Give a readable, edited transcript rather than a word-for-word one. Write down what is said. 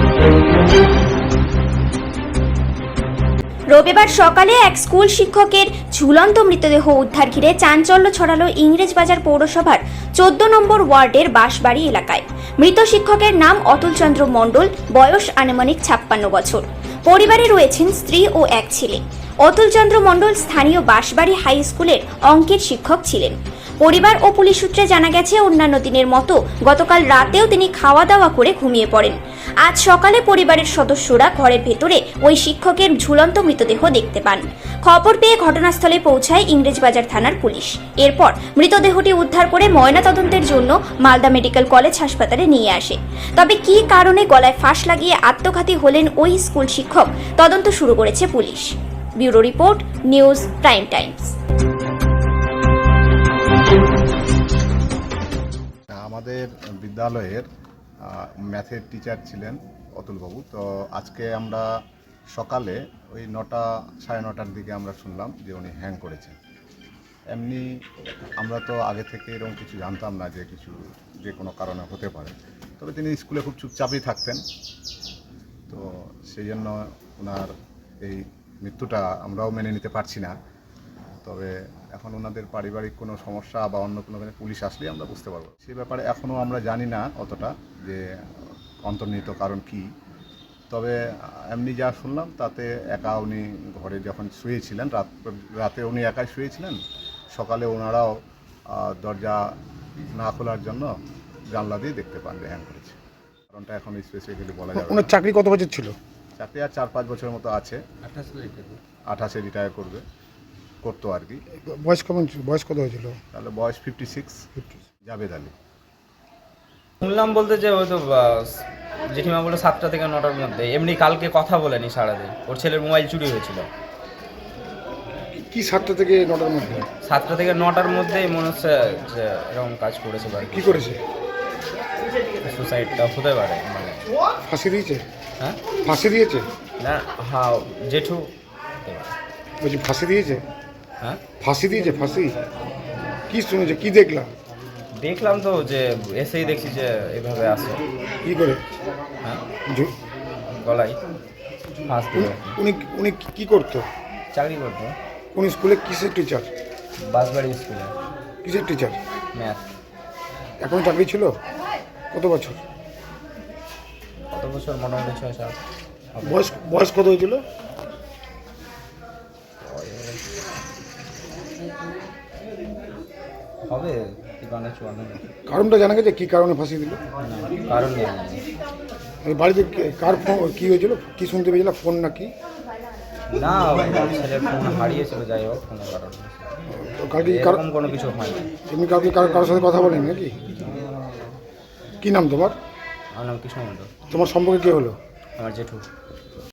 রবিবার সকালে এক স্কুল শিক্ষকের ঝুলন্ত মৃতদেহ উদ্ধার ঘিরে চাঞ্চল্য ছড়ালো ইংরেজবাজার পৌরসভার 14 নম্বর ওয়ার্ডের বাঁশবাড়ি এলাকায়। মৃত শিক্ষকের নাম অতুলচন্দ্র মণ্ডল, বয়স আনুমানিক 56 বছর। পরিবারে রয়েছেন স্ত্রী ও এক ছেলে। অতুলচন্দ্র মণ্ডল স্থানীয় বাঁশবাড়ি হাই স্কুলের অঙ্কের শিক্ষক ছিলেন। পরিবার ও পুলিশ সূত্রে জানা গেছে, অন্যান্য দিনের মতো গতকাল রাতেও তিনি খাওয়া দাওয়া করে ঘুমিয়ে পড়েন। আজ সকালে পরিবারের সদস্যরা ঘরের ভেতরে ওই শিক্ষকের ঝুলন্ত মৃতদেহ দেখতে পান। খবর পেয়ে ঘটনাস্থলে পৌঁছায় ইংরেজবাজার থানার পুলিশ। এরপর মৃতদেহটি উদ্ধার করে ময়নাতদন্তের জন্য মালদা মেডিকেল কলেজ হাসপাতালে নিয়ে আসে। তবে কী কারণে গলায় ফাঁস লাগিয়ে আত্মঘাতী হলেন ওই স্কুল শিক্ষক, তদন্ত শুরু করেছে পুলিশ। Bureau report, news prime times. আমাদের বিদ্যালয়ের ম্যাথের টিচার ছিলেন অতুলবাবু। তো আজকে আমরা সকালে ওই 9টা সাড়ে 9টার দিকে আমরা শুনলাম যে উনি হ্যাং করেছেন। এমনি আমরা তো আগে থেকে এরকম কিছু জানতাম না যে কোনো কারণে হতে পারে। তবে তিনি স্কুলে খুব চুপচাপই থাকতেন। তো সেই জন্য ওনার এই মৃত্যুটা আমরাও মেনে নিতে পারছি না। তবে এখন ওনাদের পারিবারিক কোনো সমস্যা বা অন্য কোনো পুলিশ আসলেই আমরা বুঝতে পারবো। সেই ব্যাপারে এখনও আমরা জানি না অতটা যে অন্তর্নিহিত কারণ কি। তবে এমনি যা শুনলাম তাতে একা উনি ঘরে যখন শুয়েছিলেন, রাতে উনি একাই শুয়েছিলেন। সকালে ওনারাও দরজা না খোলার জন্য জানলা দিয়ে দেখতে পান যে হ্যাং করেছে। কারণটা এখন স্পেসিফিক্যালি বলা যাবে। ওনার চাকরি কত বছর ছিল? চাকরি আর 4-5 বছরের মতো আছে। 28-এ রিটায়ার করতো আর কি। বয়স কত হয়েছিল? তাহলে বয়স 56। জাবেদ আলী। শুনলাম বলতে যে ওই তো জেঠিমা বলে 7টা থেকে 9টার মধ্যে। এমনি কালকে কথা বলেনি সারাদিন। ওর ছেলের মোবাইল চুরি হয়েছিল। কি 7টা থেকে 9টার মধ্যে? 7টা থেকে 9টার মধ্যেই মনে হচ্ছে যে এরকম কাজ করেছে। কি করেছে? সুসাইডটা হতে পারে। মানে ফাঁসি দিয়েছে? হ্যাঁ, ফাঁসি দিয়েছে না, হ্যাঁ, জেঠু বলছি ফাঁসি দিয়েছে। হ্যাঁ, ফাঁসি দিয়েছে। ফাঁসি কি শুনেছে, কি দেখলাম তো যে এসেই দেখছি যে এভাবে আসে। কি করে? হ্যাঁ, গলায় ফাঁস দিল। উনি কি করতো? চাকরি করতো। কোন স্কুলে? কিসের টিচার? বাঁশবাড়ি স্কুলে। কিসের টিচার? ম্যাথ। এখন চাকরি ছিল? কত বছর? মোটামুটি 6-7। বয়স কত হয়েছিল? হবে 53-54। কারণটা জানা গেছে কি কারণে ফাঁসি দিল? কারণ নেই। বাড়িতে কার ফোন, কি হয়েছিল, কি শুনতে পেয়েছিল? ফোন নাকি? না, ছেলের ফোন হারিয়েছিল। যাই হোক, কোনো কারণ কালকে এরকম কোনো কিছু হয়নি। এমনি কাউকে কারোর সাথে কথা বলেন নাকি? কি নাম তোমার? আমার নাম কৃষ্ণ মণ্ডল। তোমার সম্পর্কে কে হলো? আমার জেঠু।